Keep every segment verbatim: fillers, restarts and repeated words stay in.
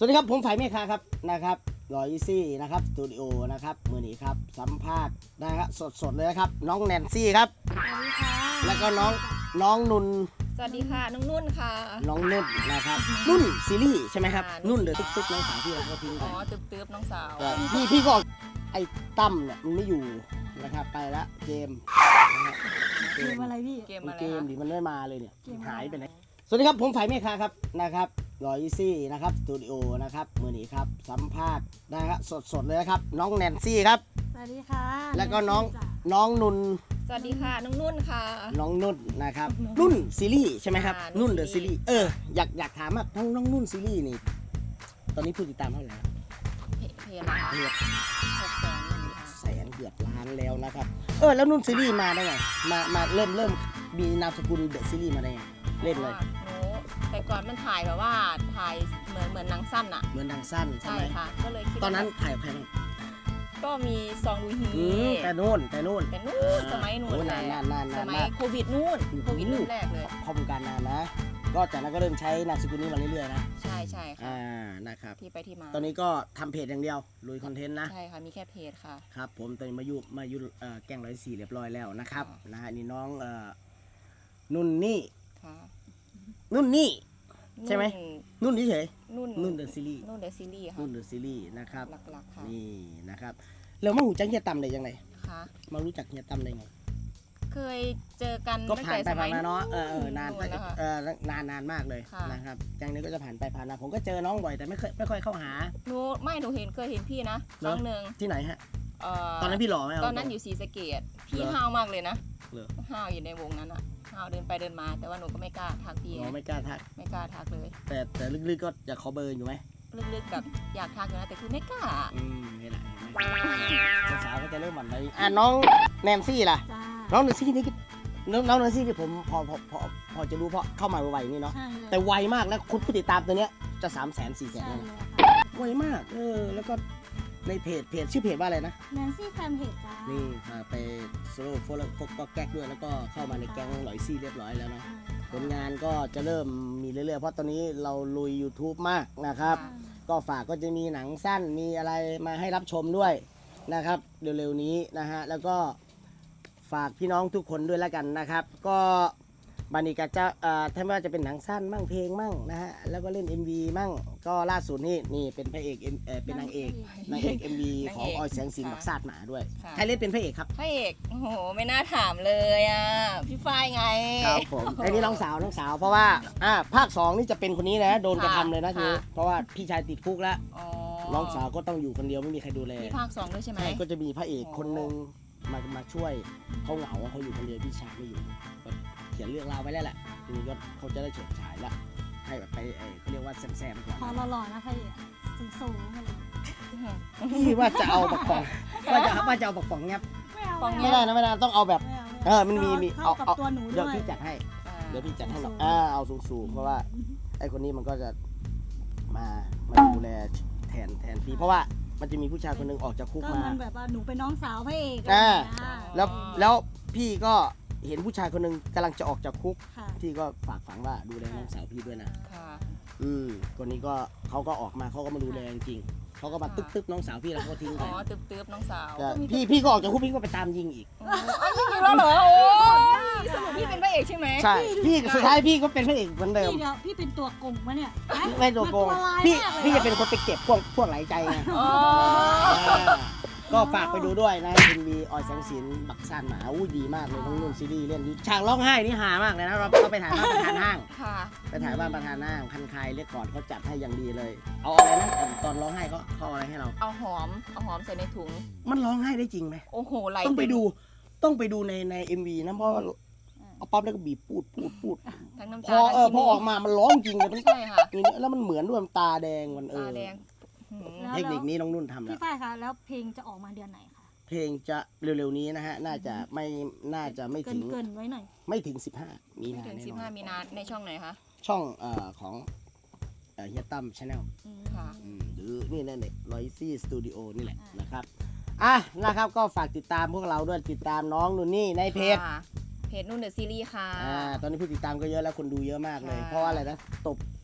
วัสดีครับผมฝ่ายเมฆาครับนะครับรอยซี่นะครับสตูดิโอนะครับมือนี้ครับสัมภาษณ์นะครับสดๆเลยนะครับน้องแนนซี่ครับสวัสดีค่ะแล้วก็น้องน้องนุ่นสวัสดีค่ะน้องนุ่นค่ะน้องนุ่นนะครับนุ่นซีรีส์ใช่ไหมครับค่ะนุ่นเดือดติ๊กๆน้องสาวที่เราก็ทิ้งอ๋ไปอตึ๊บตึ๊บน้องสาวก็พี่พี่ก็ไอ้ตั้มเนี่ยมันไม่อยู่นะครับไปละเกมนะครับเกมอะไรพี่เกมมันอะไรเกมคะดิมันไม่มาเลยเนี่ยเกมอะไรหายไปไหนสวัสดีครับผมฝ่ายเมฆาครับนะครับรอยซี่นะครับสตูดิโอนะครับมือนี้ครับสัมภาษณ์นะครับสดๆเลยนะครับน้องแนนซี่ครับสวัสดีค่ะแล้วก็น้องจ้ะน้องนุ่นสวัสดีค่ะน้องนุ่นค่ะน้องนุ่นนะครับนุ่นซีรีส์ใช่ไหมครับค่ะนุ่นนุ่นเดอะซีซีรีรีส์ส์เอออยากอยากถามว่าน้องน้องนุ่นซีรีส์นี่ตอนนี้ผู้ติดตามเท่าไหร่ครับเพเพจนะคะเกือบหกแสนหนึ่งค่ะแสนเกือบล้านแล้วนะครับเออแล้วนุ่นซีรีส์มาได้ไงมามาเริ่มเริ่มมีนามสกุลเดอะซีรีส์มาได้ไงเล่นเลยหนูแต่ก่อนมันถ่ายแบบว่าถ่ายเหมือนเหมือนหนังสั้นอะเหมือนหนังสั้นใช่ใช่ไหมค่ะ ก็เลยคิดตอนนั้นว่าถ่ายกับใครบ้างก็มีซองดูฮีอืมแต่นู่นแต่นู่นแต่นู่นสมัยนู่นโอ้แหนาละนนานนานสนานมัยมากโควิดนู่นโอ้โหโควิดรุ่นแรกเลยเข้าวงการนานนะ ก็จากนั้นก็เริ่มใช้นามสกุลนี้มาเรื่อยๆนะใช่ใช่ค่ะอ่านะครับที่ไปที่มาตอนนี้ก็ทำเพจอย่างเดียวลุยคอนเทนต์นะใช่ค่ะมีแค่เพจค่ะครับผมตอนนี้มายุมายุเอ่อแกงร้อยสี่เรียบร้อยแล้วนะครับค่ะนะฮะนี่น้องเอ่อนุ่นนี่ค่ะนุ่นนี่ ใช่ไหม นุ่นเฉยนุ่นๆนุ่นเดอะซีรีส์นุ่นเดอะซีรีส์ค่ะนุ่นเดอะซีรีส์นะครับหลักๆค่ะนี่นะครับแล้วมาหูจักเฮียตั้มได้ยังไงค่ะมารู้จักเฮียตั้มได้ไงเคยเจอกันก็ตั้งผ่านแต่ไปสมัผ่าย นมาเนาะเออเออนู่นานนนะคะเออนานนานมากเลยค่ะนะครับจังนี้ก็จะผ่านไปผ่านมาผมก็เจอน้องบ่อยแต่ไม่เคยไม่ค่อยเข้าหาหนูไม่หนูเห็นเคยเห็นพี่นะคเหรอรั้งหนึ่งที่ไหนฮะเอ่อตอนนั้นพี่หล่อไหมเาตอนนั้นอยู่ศรีสะเกษพี่เหรอห้าวมากเลยนะเหรอห้าวอยู่ในวงนั้นอะห้าวเดินไปเดินมา แต่ว่าหนูก็ไม่กล้าทักพี่อ๋อไงไม่กล้าทักไม่กล้าทักเลยแต่แต่ลึกๆก็จะขอเบอร์อยู่ไหมลึกๆกับอยากทักอยู่นะแต่คือไม่กล้าอืมนี่แหละเห็นไหมสาวๆก็จะเริ่มหวั่นไหวอ่ะน้องแนนซี่ล่ะจ้าน้องแนนซี่นี่ก็น้องน้องแนนซี่ที่ผมพอพอพอพอจะรู้เพราะเข้ามาไวๆนี่เนาะใช่เลยแต่ไวมากแล้วคุณผู้ติดตามตัวเนี้ยจะสามแสนสี่แสนใช่แล้วเลนะยค่ะไวมากเออแล้วก็ในเพจเพจชื่อเพจว่าอะไรนะแนนซี่แฟนเพจจ้านี่พาไปโซโล่โฟล์โฟกก็แก๊กด้วยแล้วก็เข้ามาในแก๊งหลอยซี่เรียบร้อยแล้วเนาะผลงานก็จะเริ่มมีเรื่อยๆเพราะตอนนี้เราลุย YouTube มากนะครับค่ะก็ฝากก็จะมีหนังสั้นมีอะไรมาให้รับชมด้วยนะครับเร็วๆนี้นะฮะแล้วก็ฝากพี่น้องทุกคนด้วยแล้วกันนะครับ ก็บันนี้ก็จะเอ่อถ้าไม่ว่าจะเป็นหนังสั้นมั่งเพลงมั่งนะฮะแล้วก็เล่น เอ็ม วี มั่งก็ล่าสุดนี่นี่เป็นพระเอก M เอ่อเป็นนางเอกนางเอก เอ็ม วี ของออยแสงสินบักซาดหมาด้วยค่ะใครเล่นเป็นพระเอกครับพระเอกโอ้โหไม่น่าถามเลยอ่ะพี่ฝ้ายไงครับผมไอ้นี่น้องสาวน้องสาวเพราะว่าอ่าภาคสองนี่จะเป็นคนนี้นะโดนกระทำเลยนะทีนี้ค่ะเพราะว่าพี่ชายติดคุกแล้วอ๋อน้องสาวก็ต้องอยู่คนเดียวไม่มีใครดูแลมีภาคสองด้วยใช่ไหมใช่ก็จะมีพระเอกอ๋อคนหนึ่งมามาช่วยเขาเหงาเขาอยู่คนเดียวพี่ชายไม่อยู่ก็เขียนเรื่องราวไว้แล้วแหละทีนี้ก็เขาจะได้เฉิดฉายละให้แบบไปเอ่อเขาเรียกว่าแซมๆก่อนพอหล่อๆนะพี่สูงสูงๆมาเลยพี่ว่าจะเอาบักป่องว่าจะว่าจะเอาบักป่องเงียบไม่เอาปองไม่ได้นะไม่ได้ต้องเอาแบบไม่เอาเออมันมีมีเข้ากับเอาตัวหนูเดี๋ยวด้วยพี่จัดให้อ่าเดี๋ยวพี่จัดให้หรอกสูงๆอ่าเอาสูงๆเพราะว่าไอ้คนนี้มันก็จะมามาดูแลแทนแทนพี่เพราะว่ามันจะมีผู้ชายคนหนึงออกจากคุกก็มามันแบบว่าหนูเป็นน้องสาวพระเอกอ่าอะไรอย่างเงี้ยแล้วแล้วพี่ก็เห็นผู้ชายคนหนึงกำลังจะออกจากคุกค่ะพี่ก็ฝากฝังว่าดูแลน้องสาวพี่ด้วยนะค่ะอืมคนนี้ก็เขาก็ออกมาเขาก็มาดูแลจริงๆเขาก็มาตึ๊บตึ๊บน้องสาวพี่แล้วเขาก็ทิ้งไปอ๋อตึ๊บตึ๊บน้องสาวก็พี่พี่ก็ออกจากคุกพี่ก็ไปตามยิงอีกอ๋ออ้าวจริงๆแล้วเหรอโอ้ยสรุปพี่เป็นพระเอกใช่ไหมใช่พี่สุดท้ายพี่ก็เป็นพระเอกเหมือนเดิมพี่เดี๋ยวพี่เป็นตัวโกงมะเนี่ยฮะไม่ตัวโกงมันตัวร้ายพี่มากเลยพี่จะเป็นคนไปเก็บพวกพวกไหลใจไงอ๋ออ่าก็ฝากไปดูด้วยนะเป็นมีออยแสงสินบักซานหมาอู้ดีมากเลยน้องนุ่นซีรีส์เล่นฉากร้องไห้นี่หามากเลยนะเราเราไปถ่ายบ้านประธานห้างค่ะไปถ่ายบ้านประธานห้างคันคายเรียกก่อนเขาจัดให้อย่างดีเลย เอาอะไรนะตอนร้องไห้เขาเขาเอาอะไรให้เราเอาหอม เอาหอมใส่ในถุงมันร้องไห้ได้จริงไหมโอ้โหไหลต้องไปดูต้องไปดูในในเอ็มวีนะเพราะว่าเอาปั๊บแล้วก็บีบพูดพูดพูดทั้งน้ำพตาอเออทั้งพอขี้มูออกมามันร้องจริงเลยมันใช่ค่ะนี่แล้วมันเหมือนด้วยมันตาแดงมันเอตาอแดงหืมแล้วเทคนิคนี้น้องนุ่นทำแล้พี่วฝ้ายคะแล้วเพลงจะออกมาเดือนไหนคะเพลงจะเร็วๆนี้นะฮะน่าจะไม่น่าจะไม่เกิถึนงเกินๆไว้หน่อยไม่ถึงสิบห้ามีไม่นาถึงแน่สิบนอห้าน มีนาในช่องไหนคะช่องเอ่อของเอ่อเฮียตั้มชาแนลอืมค่ะหรือนี่นั่นเองรอยซี่สตูดิโอนี่แหละอ่านนะครับอ่ะนะครับก็ฝากติดตามพวกเราด้วยติดตามน้องนุ่นนี่ในเพจค่ะเพจนุ่นเดอะซีรีส์ค่ะอ่าตอนนี้ผู้ติดตามก็เยอะแล้วคนดูเยอะมากเลยค่ะเพราะว่าอะไรนะตบ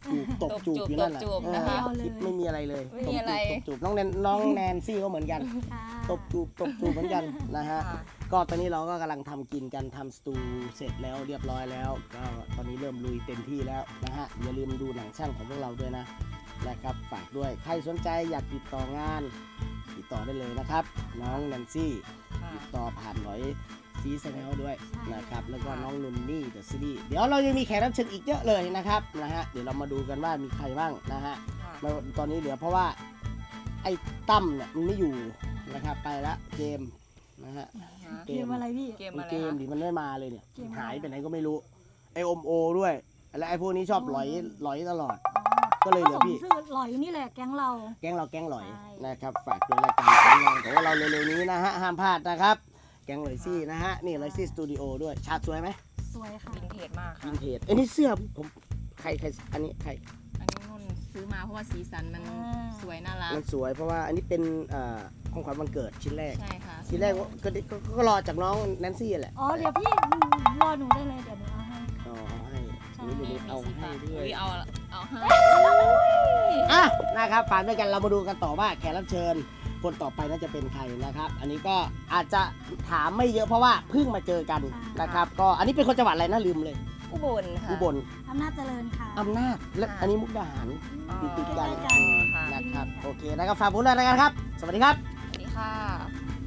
จูบตบจูบอยู่นั่นแหละตบจูบเออนะคะคลิปไม่มีอะไรเลยไม่มีอะไรตบจูบตบจูบน้องแนนน้องแนนซี่ก็เหมือนกันค่ะตบจูบตบจูบเหมือนกันนะฮะค่ะก็ตอนนี้เราก็กำลังทำกินกันทำสตูเสร็จแล้วเรียบร้อยแล้วก็ตอนนี้เริ่มลุยเต็มที่แล้วนะฮะอย่าลืมดูหนังช่างของพวกเราด้วยนะนะครับฝากด้วยใครสนใจอยากติดต่องานติดต่อได้เลยนะครับ น้องแนนซี่ค่ะติดต่อผ่านหน่อยซีแนลด้วยใช่นะครับแล้วก็น้องนุนนี่เดอะซีรีส์เดี๋ยวเรายังมีแขกรับเชิญอีกเยอะเลยนะครับนะฮะเดี๋ยวเรามาดูกันว่ามีใครบ้างนะฮะค่ะมาตอนนี้เหลือเพราะว่าไอ้ตั้มเนี่ยมันไม่อยู่นะครับไปละเกมนะฮะค่ะเกมอะไรพี่เกมมันอะไรเกมคะดิมันไม่มาเลยเนี่ยเกมอะไรหายไปไหนก็ไม่รู้ไอ้อมโอด้วยและไอ้พวกนี้ชอบหลอยหลอยตลอด ก็เลยเหลือพี่ผสมชื่อหลอยนี่แหละแก๊งเราแก๊งเราแก๊งหลอยใช่นะครับฝากด้วยรายการของเราแต่ว่าเราเร็วๆนี้นะฮะห้ามพลาดนะครับแก๊งหลอยซี่นะฮะนี่หลอยซี่สตูดิโอด้วยฉากสวยไหมสวยค่ะวินเทจมากวิค่ะนเทจไอ้นี่เสื้อผมใครใครอันนี้ใครอันนี้นุ่นซื้อมาเพราะว่าสีสันมันอ่าสวยน่ารักมันสวยเพราะว่าอันนี้เป็นเอ่อของขวัญวันเกิดชิ้นแรกใช่ค่ะชิ้นแรกก็ก็ก็ก็รอจากน้องแนนซี่แหละอ๋อเดี๋ยวพี่รอหนูได้เลยเดี๋ยวหนูเอาให้อ๋อให้ใช่นี่เดี๋ยวนี้เอาสีให้ฟ้าด้วยอุ๊ยเอาเอาให้อ่ะนะครับฝากด้วยกันเรามาดูกันต่อว่าแขกรับเชิญคนต่อไปน่าจะเป็นใครนะครับ อันนี้ก็อาจจะถามไม่เยอะเพราะว่าเพิ่งมาเจอกันนะครับ ก็อันนี้เป็นคนจังหวัดอะไรนะลืมเลยอุบลค่ะอุบลอำนาจเจริญค่ะอำนาจและค่ะอันนี้มุกดาหารอ๋อติดติดๆกันใกล้ๆกันค่ะนะครับโอเคนะครับฝากผมด้วยนะครับ สวัสดีครับสวัสดีค่ะ